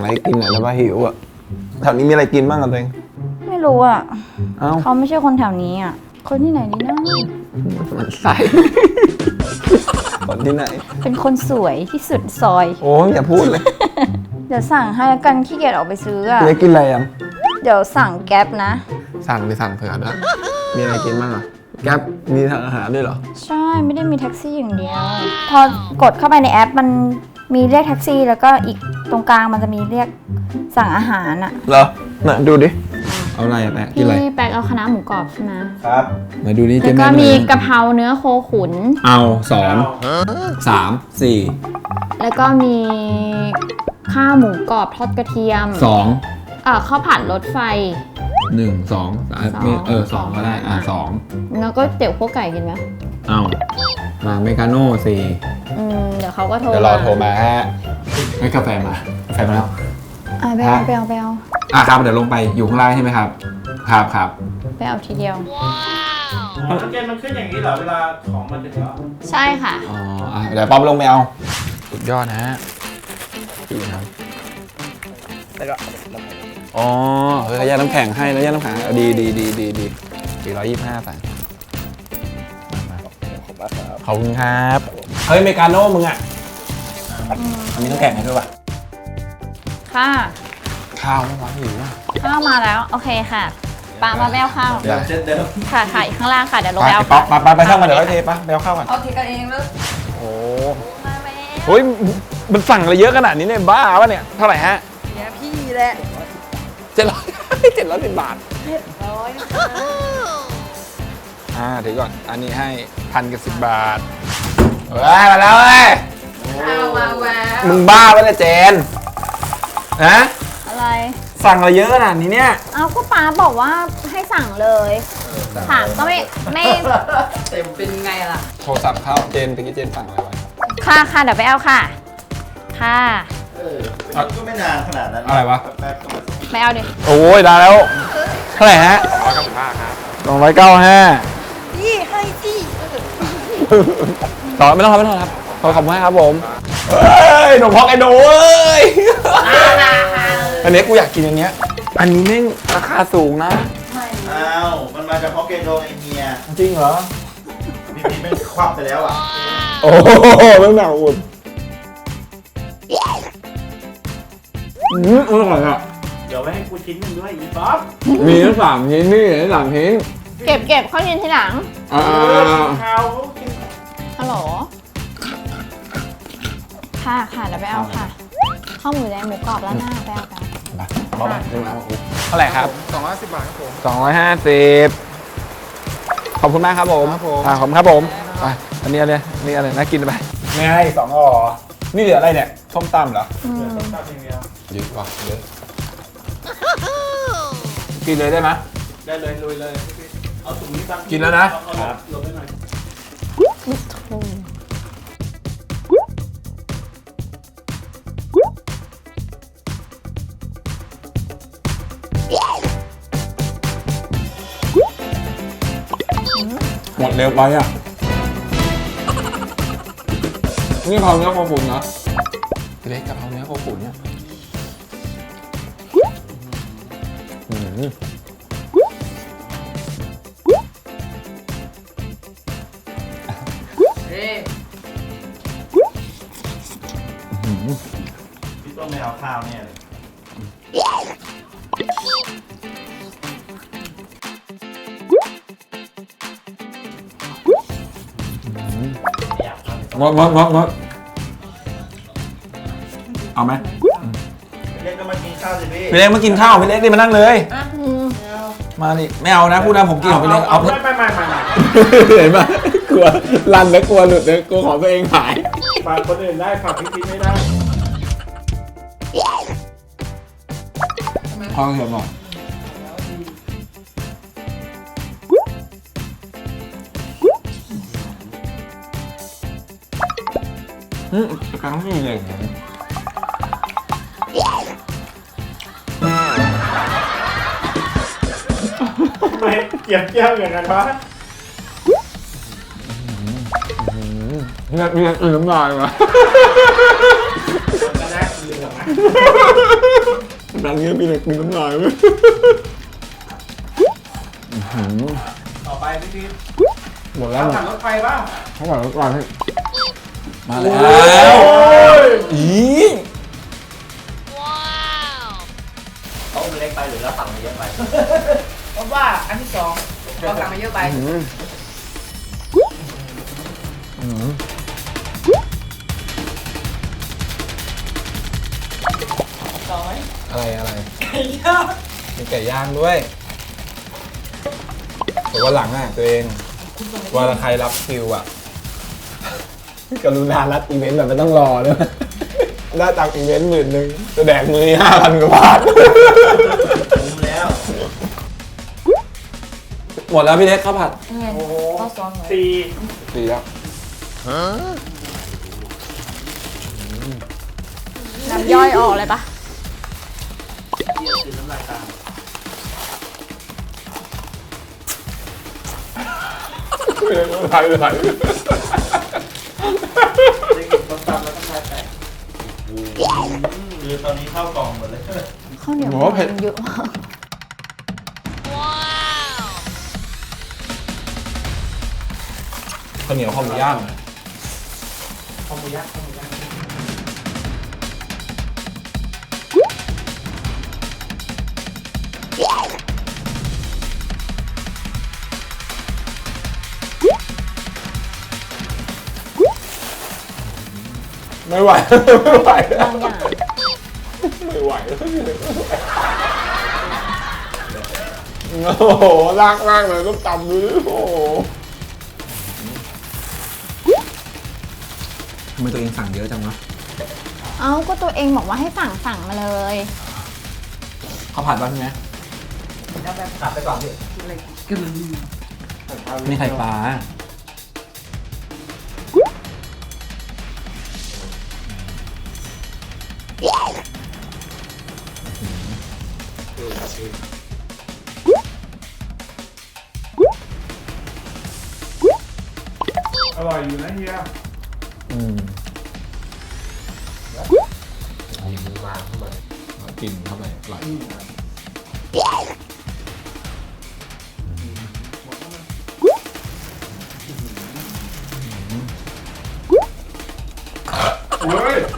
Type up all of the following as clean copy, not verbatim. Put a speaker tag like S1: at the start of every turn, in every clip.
S1: อะไรกินอ่ะแล้วว่าหิวอ่ะแถวนี้มีอะไรกินบ้างกันตัวเอง
S2: ไม่รู้อ่ะ
S1: เอ้า
S2: เขาไม่ใช่คนแถวนี้อ่ะ คนที่ไหนดีนะ
S1: มันใส่ คนที่ไหน
S2: เป็นคนสวยที่สุดซอย
S1: โอ้ยอย่าพูดเลย
S2: เดี๋ยวสั่งให้แล้วกันขี้เกียจออกไปซื้ออ่ะ
S1: จะกินอะไรยัง
S2: เดี๋ยวสั่งแก๊ปนะ
S1: สั่งไปสั่งเผื่อด้วยมีอะไรกินบ้างอ่ะแก๊ปมีทางอาหารด้วยเหรอ
S2: ใช่ไม่ได้มีแท็กซี่อย่างเดียว พอกดเข้าไปในแอปมันมีเรียกแท็กซี่ แล้วก็อีกตรงกลางมันจะมีเรียกสั่งอาหารอ่ะ
S1: เหรอน่ะดูดิเอาอะไรอ่ะแปะกินอะไร
S2: พี่แป๊กเอาคณะหมูกรอบใช่ไหม
S1: ครับมาดูนี่
S2: แล้
S1: เจ๊
S2: ว
S1: แม่
S2: ก็
S1: หน่
S2: มี
S1: อย
S2: กะเพราเนื้อโคขุน
S1: เอา2 3
S2: แล้วก็มีข้าวหมูกรอบทอดกระเทียม
S1: 4 2
S2: ข้าวผัดรถไฟ
S1: 1 2 2ก็ได้2
S2: แล้วก็เตี๋ยวพวกไก่กินไหม
S1: เอามาเมกาโน่
S2: เดี๋ยวเขาก็โทร
S1: 4เดี๋ยวรอโทรมาฮะให้กาแฟมาแล้ว
S2: ไปเอาไปเอาไปเอา
S1: ครับเดี๋ยวลงไปอยู่ข้างล่างใช่ไหมครับครับ
S2: ไปเอาทีเดียว
S3: เกมมันขึ้นอย่างนี้เหรอเวลาของมันถึงแล้ว
S2: ใช่ค่ะ
S1: อ๋อเดี๋ยวป๊อปลงไปเอาสุดยอดนะฮะดีครับอ๋อเฮ้ยเขาแยกน้ำแข็งให้แล้วแยกน้ำแข็งดี425ใส่ขอบคุณครับเฮ้ยเมกาโน่มึงอ่ะอันนี้น้ำแข็งให้ด้วยป่ะ
S2: ค่ะ
S1: ข้าวไม่ร้อนหิวอ่ะ
S2: ข้าวมาแล้ว โอเคค่ะปามาแบวข้าว
S1: ได้
S3: เช่นเดิม
S2: ค่ะค่ะอยู่ข้างล่างค่ะ เดี๋ยวลง
S1: ไป
S2: ไปเอา
S1: ป๊อปไปช่างมาเดี๋ยวให้เทปะไปเอาข้าวก่อน
S2: เอาทีกันเองเลย
S1: โอ้เฮ้ยมันสั่งอะไรเยอะขนาดนี้เนี่ยบ้าวะเนี่ยเท่าไหร่ฮะ
S2: เนี่ยพี่แหละ
S1: 710 บาทถือก่อนอันนี้ให้1,010 บาทเฮ้ยมาแล้วเว้ย
S2: เอามาแวว
S1: มึงบ้าปะเนี่ยเจนฮะ
S2: อะไร
S1: สั่งอะไรเยอะขนาดนี้เนี่ย
S2: เอาก็ป้าบอกว่าให้สั่งเลยถามก็ไม่
S3: เต็มเป็นไงล่ะ
S1: โทรศัพท์เข้าเจนตะกี้เจนสั่งอะไรไว้
S2: ค่ะเดี๋ยวไปเอาค่ะ ค่ะ
S3: ก็ไม่นานขนาดนั้น
S1: อะไรวะ
S3: แป๊บๆก็มาส่ง
S2: ไปเอาดิ
S1: โอ้ยได้แล้วเท่าไหร่ฮะ295ครับ295
S2: พี่ให้พี่
S1: ต่อไม่ต้องครับขอบคุณมากครับผมเฮ้ยหนุ่มพอกไอโดเอ้ยอันนี้กูอยากกินอันเนี้ยอันนี้แม่งราคาสูงนะ
S3: อ้าวมันมาจากฮอกไกโดไอเฮีย
S1: จริงเหรอ
S3: พี่พีไม่ควับไปแล้วอ่ะ
S1: โอ้โหแม่งหนาอุ่นอร่อยอ่ะ
S3: เดี๋ยวไว้ให้กูชิ้นหนึงด้วยอีป๊อป
S1: มีทั้ง3 ชิ้นนี่ทั้ง3 ชิ้น
S2: เก็บเข้ายินทีหลัง
S3: ข้าวกิน
S2: ฮัลโหล ค่ะเดี๋ยวไปเอาค่ะ ข้าวหมูแดงหมูกรอบแล้วหน้าไปเอากัน
S1: เท่าไหร่ครับ250 บาทครับผม250ขอบคุณมากครับผมขอบคุณครับผมไปอันนี้อะไรน่ากินไปไม่ให้2ห่อนี่เหลืออะไรเนี่ยส้มตำเหรอ
S3: ตัดอย่างเดียว
S1: เยอะว่ะเยอะกินเลยได้ไหม
S3: ได้เลยลุยเลยพี่พีเอาถุงนี้ตั้ง
S1: กินแล้วนะ
S3: เอาลงไปหน่อย
S1: หมดเร็วไปอ่ะนี่กะเพราเนื้อโคขุนนะเล็กกะเพราเนื้อโคขุนเนี่ย
S3: พี่ต้องไม่เอาข้าวเนี่ยเลยอยากทำ
S1: งดเอาไหม
S3: เรียกก็มากินข้าวสิพี่
S1: พี่เล็กมากินข้าวพี่เล็กดิมานั่งเลย มาดิไม่เอานะพูดนะผมกินของพี่เล็กเอา
S3: ไม่
S1: เห็นปะกลัวรันแล้วกลัวหลุดเลยกลัวของตัวเองหาย
S3: ฝากคนอื่นได้ฝากพี่พีไม่ได้
S1: พอเถอะหน่อยกลางที่เลย
S3: ทำไมเกลียบเกี้ยวอย่างนั้นวะ
S1: เนี่ยน้ำลายวะ
S3: ก็ได้เหลืองนะ
S1: ดังเงี้ยพี่เล็กมีน้ำลายไหม
S3: ต่อไปพี่พีท
S1: หมดแล้ว
S3: ขับรถไฟบ้าง
S1: เขาบอกแล้วก่อนให้มาแล้
S3: โอ้
S1: วย อี
S4: เขามันเล็กไปหรือเราสั่งมาเยอะไป
S5: ผมว่าอันที่สองเราสั่งมาเยอะไปสองไหม
S1: อะไร
S5: ไก่ย่าง
S1: มีไก่ย่างด้วยแต่ว่าหลังอ่ะตัวเองว่าใครรับคิวอ่ะกรุณารับอีเวนต์แบบไม่ต้องรอด้วยได้ตังค์อีเวนต์10,000จะแดกมือ5,000 กว่าบาท
S4: คุ้มแล้ว
S1: หมดแล้วพี่เล็กข้าวผัด
S2: เงิน
S3: โอ้โห
S2: ข้าวซองเลย
S3: สี่
S1: ดีแล้ว
S2: น้ำย่อยออกเลยปะ
S3: เยี่ยคือน้ำลายตาม
S1: ไหล
S3: ได้กินต้มตำแล้วก็ทายแตก
S4: คือตอนนี้เข้ากล่องหมดเลย
S2: ข้าวเหนียวมันเยอะมาก
S1: ข้าวเหนียวข้าวหมูย่าง
S3: ข้าวหมูย่างข้าวหมูย่าง
S1: ไม่ไหวไม่ไหว
S2: บางอย่าง
S1: ไม่ไหวแล้วพี่เล็กโอ้โหลากมากเลยต้องตำดูดิโอ้โหทำไมตัวเองสั่งเยอะจังวะ
S2: เอ้าก็ตัวเองบอกว่าให้สั่งมาเลย
S1: ข้าวผัดบ้างใช่ไหม
S4: ตัดไปก่อนพี่
S1: นี่ไข่ปลา
S3: อร่อยอยู่นะเฮีย
S4: มีมือมาเข้ามา
S1: กินเข้าไปอร่อย
S3: เฮ้ย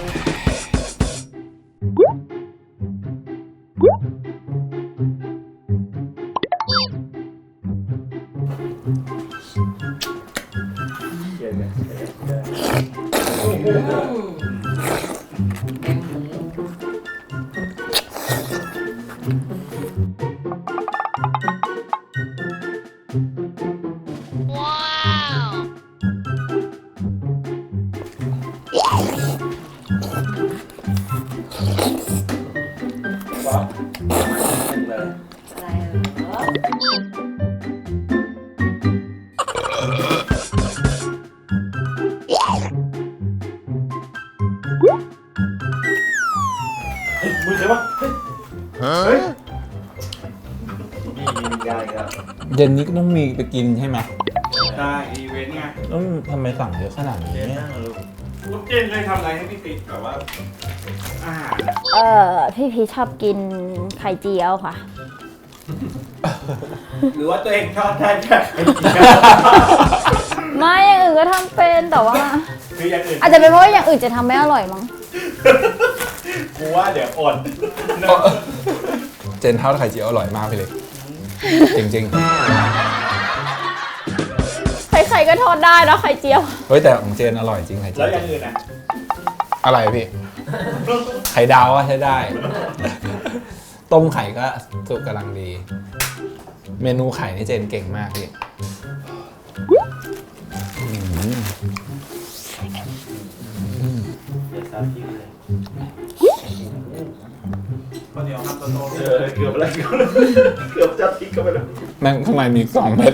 S3: มือใครวะเฮ้ย
S4: มียาอีกแล้ว
S1: เย็นนี้ก็ต้องมีไปกินใช่ไหม
S3: ได้อีเวนต์ไง
S1: ต้องทำไมสั่งเยอะขนาดนี้
S4: เจ๊นั่งลูก
S3: ลูกเจนเคยทำอะไรให้พี่ติ๊กแบบว่าอาหารอะ
S2: พี่พีชชอบกินไข่เจียวค่ะ
S3: หรือว่าตัวเองชอบได้แค่ไข่เจียว
S2: ไม่อย่างอื่นก็ทำเป็นแต่ว่า
S3: คืออย่างอื่น
S2: อาจจะเป็นเพราะว่าอย่างอื่นจะทำไม่อร่อยมั้ง
S3: กูว่าเดี๋ยวอด
S1: เจนทอดไข่เจียวอร่อยมากพี่เล็กจริง
S2: ใครๆก็ทอดได้นะไข่เจียว
S1: ๆเฮ้ยแต่ของเจนอร่อยจริงไข่เจี
S3: แล้
S1: ยว ว
S3: อย่างอื่นอ่ะ
S1: อะไรพี่ ไข่ดาวก็ใช้ได้ ต้มไข่ก็สุกกำลังดี เมนูไข่นี่เจนเก่งมากพี่
S4: เดี๋ยวซาพี่เลย
S3: ข้าวเหนียวครับโต
S4: เกือบอะไรเกือบจะทิ้งเข้าไปแล้ว
S1: แม่งข้างในมี2 เม็ด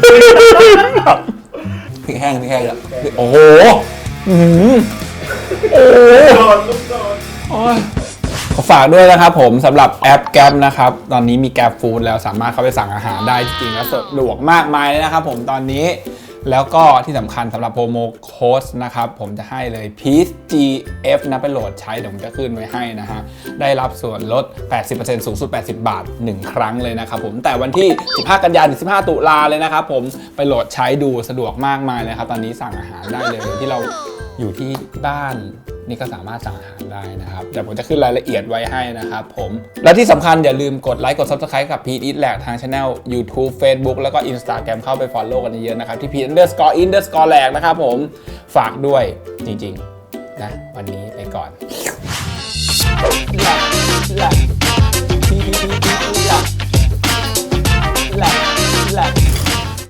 S1: พริกแห้งแล้วโอ้โหอื้อหือโอ้โห
S3: โดนลูกโดน
S1: โอ้ยขอฝากด้วยนะครับผมสำหรับแอปแกร็บนะครับ ตอนนี้มีแกร็บฟู้ดแล้วสามารถเข้าไปสั่งอาหารได้จริงๆแล้วสะดวกมากมายเลยนะครับผมตอนนี้แล้วก็ที่สำคัญสำหรับโปรโมโค้ดนะครับผมจะให้เลย Peace GF นะไปโหลดใช้เดี๋ยวผมจะขึ้นไว้ให้นะฮะได้รับส่วนลด 80% สูงสุด 80 บาท 1 ครั้งเลยนะครับผมแต่วันที่ 15 กันยายนถึง 15 ตุลาเลยนะครับผมไปโหลดใช้ดูสะดวกมากมายเลยครับตอนนี้สั่งอาหารได้เลยที่เราอยู่ที่บ้านนี่ก็สามารถสั่งอาหารได้นะครับเดี๋ยวผมจะขึ้นรายละเอียดไว้ให้นะครับผมและที่สำคัญอย่าลืมกดไลค์กด Subscribe กับ Pete Eat Lag ทาง Channel YouTube Facebook แล้วก็ Instagram เข้าไป Follow กันเยอะๆนะครับที่ Pete_Lag นะครับผมฝากด้วยจริงๆนะวันนี้ไปก่อนแหลก